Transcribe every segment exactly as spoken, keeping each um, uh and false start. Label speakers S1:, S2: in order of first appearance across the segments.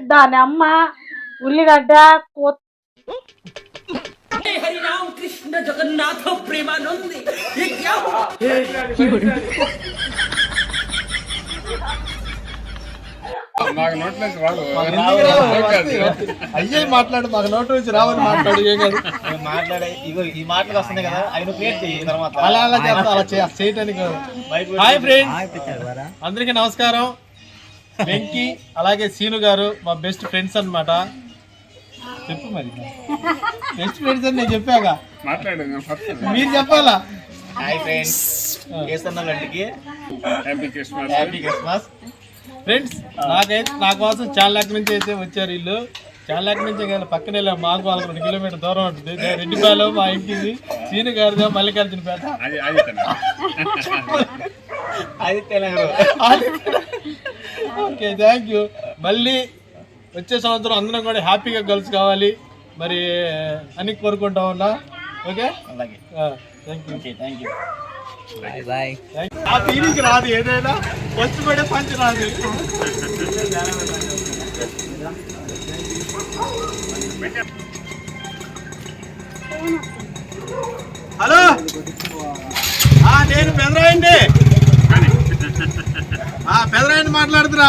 S1: దాని అమ్మ ఉల్లిగడ్డ
S2: हरि राम कृष्ण जगन्नाथ प्रेमानंद ये क्या
S3: అయ్యే మాట్లాడు మాకు నోట్ నుంచి రావని మాట్లాడు ఏం కాదు
S4: మాట్లాడే ఇగో ఈ మాటలు వస్తున్నాయి కదా అవి క్రియేట్ చేయి తర్వాత
S3: అలా అలా చేస్తా అలా చేయటానికి. హాయ్ ఫ్రెండ్స్, అందరికీ నమస్కారం. వెంకీ అలాగే సీను గారు మా బెస్ట్ ఫ్రెండ్స్ అన్నమాట. చెప్పు మరి బెస్ట్ ఫ్రెండ్స్ అని నేను చెప్పాక మీరు చెప్పాలా.
S4: హాయ్ ఫ్రెండ్స్, కేసన్నలంటికి happy Christmas. Happy Christmas
S3: friends. నాకైతే నా కోసం చాలా నుంచి అయితే వచ్చారు వీళ్ళు. చాలా నుంచి కానీ పక్కనే మాకు వాళ్ళకి రెండు కిలోమీటర్ దూరం ఉంటుంది. రెడ్డిపాలెం మా ఇంటిది, సీను గారిదో మల్లికార్జునపేట. Okay, thank you. మళ్ళీ వచ్చే సంవత్సరం అందరం కూడా హ్యాపీగా కలిసి కావాలి మరి అని కోరుకుంటా ఉన్నా. ఓకే,
S4: అలాగే.
S3: Thank you
S4: thank you.
S3: ఆ ఫీలింగ్ రాదు, ఏదైనా వచ్చి పడే పంచి రాదు. హలో, నేను పెదరాయండి పెదరాయండి మాట్లాడుతున్నా.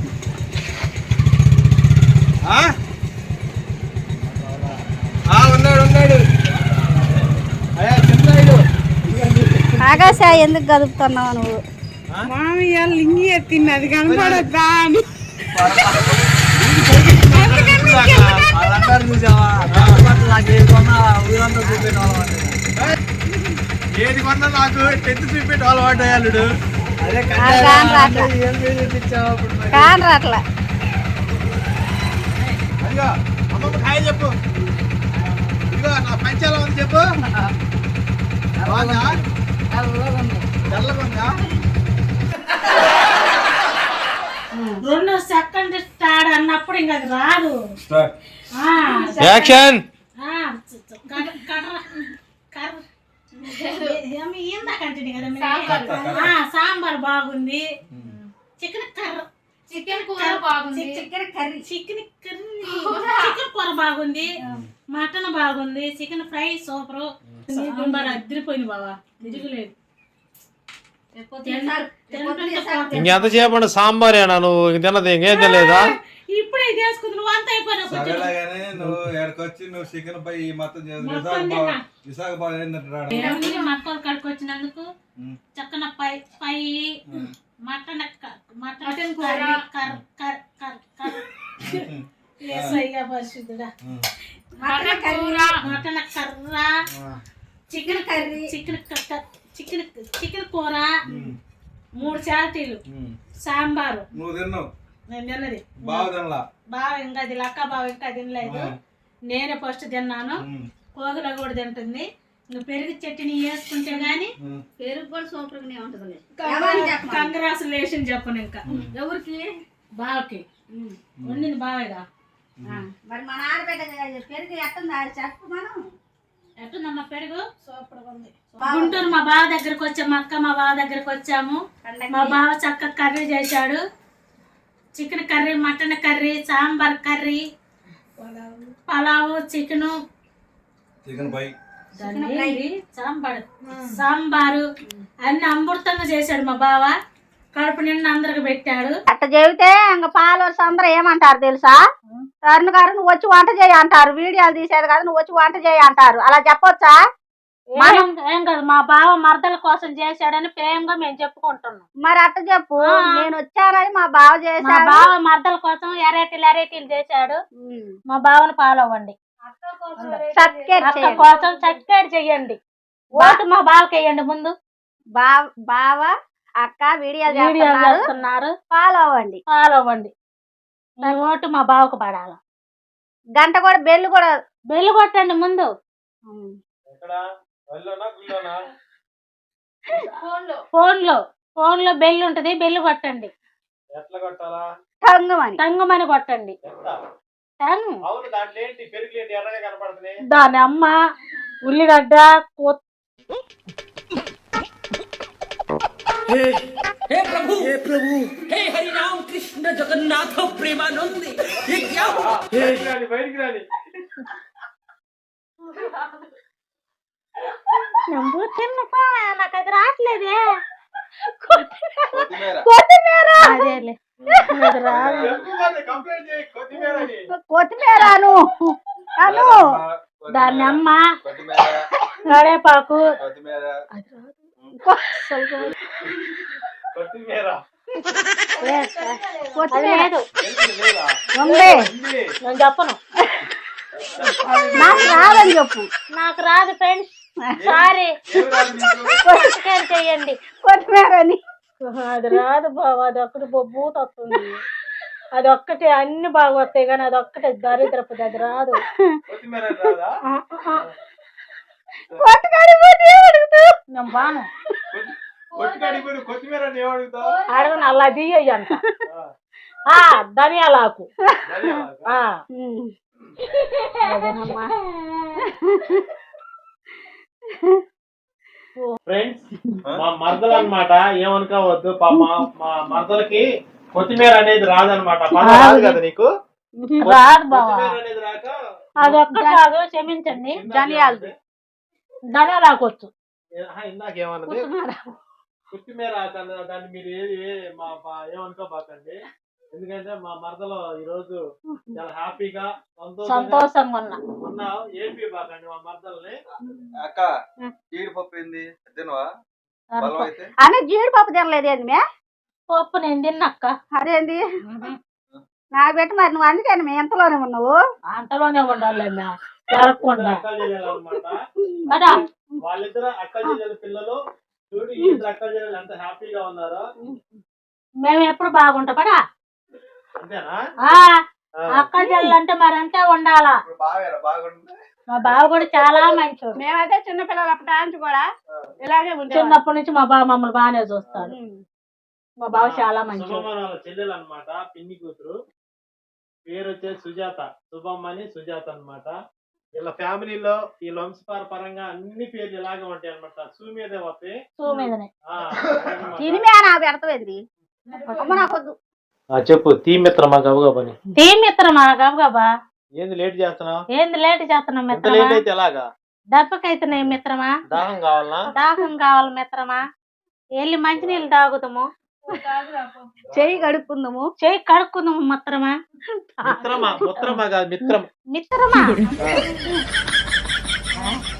S3: ఉన్నాడు ఉన్నాడు
S5: ఆకాశ ఎందుకు కదుపుతున్నావు నువ్వు?
S6: మామయ్య లింగి ఎత్తింది, అది కనపడద్దా అని.
S3: ఏది కొన్నా నాకు టెన్త్ చూపెట్టి అలవాటు అయ్యాడు.
S5: కాన్ రాట్లా.
S3: అదిగో అమ్మమ్మ హాయ్ చెప్పు. ఇదిగో నా పంచాల ఉంది చెప్పు.
S1: రెండు సెకండ్ స్టార్ట్ అన్నప్పుడు ఇంకా అది రాదు.
S3: యాక్షన్.
S1: సాంబార్ బాగుంది, చికెన్ కర్ర
S5: చికెన్ కూర బాగుంది,
S1: chicken curry chicken curry chicken కూర బాగుంది, మటన్ బాగుంది, చికెన్ ఫ్రై సూపర్, సాంబార్ అదిరిపోయింది బావా, తిరుగులేదు.
S3: ఇంకెంత చేయకుండా సాంబారేనా నువ్వు తిన్నది? ఇంకేం తెలియదా?
S1: ఇప్పుడే చేసుకుంది, నువ్వు అంత అయిపోయినా
S7: నువ్వు ఎక్కడికొచ్చి నువ్వు చికెన్ పై మొత్తం
S1: మక్కలు కడుకు వచ్చినందుకు చక్కన పై పై మటన్ మటన్ కూర పరిశుద్ధుడా, మటన్ కూర మటన్ కర్ర chicken curry chicken chicken chicken కూర మూడు చాటీలు సాంబారు.
S7: నువ్వు తిన్నావు,
S1: నేను తిన్నది
S7: బాగా
S1: బాగా ఇంకా అది లక్క బాగా ఇంకా తినలేదు. నేనే ఫస్ట్ తిన్నాను, కోగిల కూడా తింటుంది. నువ్వు పెరుగు చట్నీ వేసుకుంటే గానీ
S5: పెరుగు కూడా సూపర్ గానే ఉంటుంది.
S1: కంగ్రాచులేషన్ చెప్పను. ఇంకా ఎవరికి? బావకి వండింది బావేగా.
S5: మరి మన ఆడబిడ్డ పెరుగు ఎట్టుందా చెప్పు. మనం
S1: ఎట్టుందమ్మా పెరుగు? సూపర్ ఉంది. గుంటూరు మా బావ దగ్గరకు వచ్చాము, అక్క మా బావ దగ్గరకు వచ్చాము. మా బావ చక్కగా కర్రీ చేశాడు, chicken curry, mutton curry, sambar curry, pulao, chicken
S7: chicken పై
S1: సాంబార్ సాంబారు అన్ని అమృతంగా చేశాడు మా బావ. కడుపు నిండా అందరికి పెట్టాడు.
S5: అట్ట చెబితే ఇంకా ఫాలోవర్స్ అందరూ ఏమంటారు తెలుసా? తరుణ్ గారు నువ్వు వచ్చి వంట చేయి అంటారు. వీడియోలు తీసేది కాదు, నువ్వు వచ్చి వంట చేయి అంటారు. అలా చెప్పొచ్చా?
S1: ఏం కాదు, మా బావ మరదల కోసం చేశాడని ప్రేమగా మేము చెప్పుకుంటున్నాం.
S5: మరి అట్ట చెప్పు, నేను వచ్చానని మా బావ చేశాడు.
S1: మా బావ మరదల కోసం ఎరేటీలు ఎరేటీలు చేశాడు. మా బావను ఫాలో అవ్వండి, కోసం సబ్స్క్రైబ్ చెయ్యండి, ఓటు మా బావకి వేయండి. ముందు
S5: బావ అక్క వీడియోలు
S1: చేస్తున్నారు,
S5: ఫాలో అవ్వండి
S1: ఫాలో అవ్వండి. ఓటు మా బావకు పడాలి.
S5: గంట కూడా బెల్లు కూడా
S1: బెల్లు కొట్టండి ముందు. ఫోన్ లో ఫోన్ లో బెల్ ఉంటది, బెల్లు కొట్టండి.
S5: టంగుమని
S1: టంగుమని కొట్టండి. దాని అమ్మ ఉల్లిగడ్డ
S2: हे प्रभु हे प्रभु हे हरि राम कृष्ण जगन्नाथ प्रेमानंद ये
S3: బయటికి రాని బయటికి రాని
S1: నువ్వు తిన్నపా నాకు అది రావట్లేదే
S7: కొత్తిమీర
S5: కొత్తిమీర
S1: అదేలే అది రాదు
S3: కంప్లైంట్ చేయి కొత్తిమీర అని
S5: కొత్తిమీర అను అను
S1: దాన్ని అమ్మ
S7: కొత్తిమీర
S1: కడేపాకు
S7: కొత్తిమీర
S3: కొత్తిమీర
S1: అది లేదు
S5: ఉంది
S1: నేను చెప్పను
S5: నాకు రాదని చెప్పు
S1: నాకు రాదు ఫ్రెండ్స్ సారీ కొత్తిమీర చెయ్యండి
S5: కొత్తిమీర అని
S1: అది రాదు బాబు అది ఒక్కటి బొబ్బూత వస్తుంది అది ఒక్కటే అన్ని బాగా వస్తాయి కానీ అది ఒక్కటే దరిద్రపుది అది రాదు
S3: కొత్తిమీర రాదా
S1: ఆ, ఆ,
S5: కొట్టుకాడిపోతే అడుగుతూ
S1: నేను బాను
S3: కొట్టుకాడిపోయి కొత్తిమీర అని ఏమడుగుతావు
S1: అడగను అలా దియ్య అంట ఆ, ధనియాలాకు ఆ, అదేనమ్మా
S3: ఫ్రెండ్స్ మా మరదలు అన్నమాట ఏమనుకోవద్దు పాప మా మరదలకి కొత్తిమీర అనేది రాదనమాట రాదు కదా నీకు
S1: రాదు బావా
S3: కొత్తిమీర అనేది రాక
S1: అది ఒక్కటి కాదు క్షమించండి
S5: ధనియాలు
S1: ధనియాలాకు వచ్చు
S3: ఆహా, ఇందాకేమన్నది కొత్తిమీర దాన్ని దాన్ని మీరు ఏది ఏ- మా మా- ఏమనుకోబాకండి ఎందుకంటే మా మరదలో ఈ రోజు చాలా హ్యాపీగా సంతోషంగా
S1: సంతోషంగా ఉన్నా
S3: ఉన్నావు ఏపీ బాకండి మా మరదల్ని
S7: అక్క జీడిపప్పు ఏంది తినవా బలం అయితే
S5: అని జీడిపప్పు తినలేదు ఏంది మే
S1: పప్పు నేను తిన్నక్క
S5: అదేంది నాకు పెట్టి మరి నువ్వు అందుకని మీ ఎంతలోనే ఉన్నావు
S1: అంతలోనే ఉండాలి జరగకుండా
S3: అక్కలు చెల్లెలు అనమాట
S1: కదా
S3: వాళ్ళిద్దరు అక్కలు చెల్లెలు పిల్లలు చూడు ఈ ఇద్దరు అక్కలు చెల్లెలు ఎంత హ్యాపీగా ఉన్నారో
S1: మేము ఎప్పుడు బాగుంటాం పడా
S3: అంతేనా
S1: ఆ, అక్క చెల్లంటే మరి అంతే ఉండాలా
S7: ఇప్పుడు బాగా బాగుంది
S1: మా బావ కూడా చాలా మంచోడు
S5: మేమైతే చిన్నపిల్లలు అప్పటి నుంచి కూడా ఇలాగే ఉంచాం
S1: చిన్నప్పటి నుంచి మా బావ మమ్మల్ని బాగానే చూస్తాడు మా బావ చాలా మంచోడు
S3: శుభమనాల చెల్లెలు అనమాట పిన్ని కూతురు పేరు వచ్చేసి సుజాత శుభమ్మని సుజాత అన్నమాట వీళ్ళ ఫ్యామిలీలో ఈ వంశపార పరంగా అన్ని పేర్లు ఇలాగే ఉంటాయి అనమాట సూ మీదే వస్తాయి
S1: సూ మీదనే
S3: ఆ, అదన్నమాట.
S5: తినిమే నాకు పెడతావేంది అమ్మ నాకొద్దు
S3: ఆ, చెప్పు తీ మిత్రమా గబుగా పని
S1: టీం మిత్రమా గబగబా
S3: ఏంది లేట్ చేస్తున్నావు
S1: ఏంది లేట్ చేస్తున్నాం
S3: ఎంత
S1: మిత్రమా
S3: లేట్ అయితే ఎలాగా
S1: దెబ్బకైతున్నాయి మిత్రమా
S3: దాహం కావాలనా
S1: దాహం కావాలి మిత్రమా వెళ్ళి మంచినీళ్ళు తాగుతాము
S5: చెయ్యి కడుక్కుందాము
S1: చెయ్యి కడుక్కుందాము మిత్రమా
S3: మిత్రమా మిత్రమా కాదు మిత్రం
S1: మిత్రమా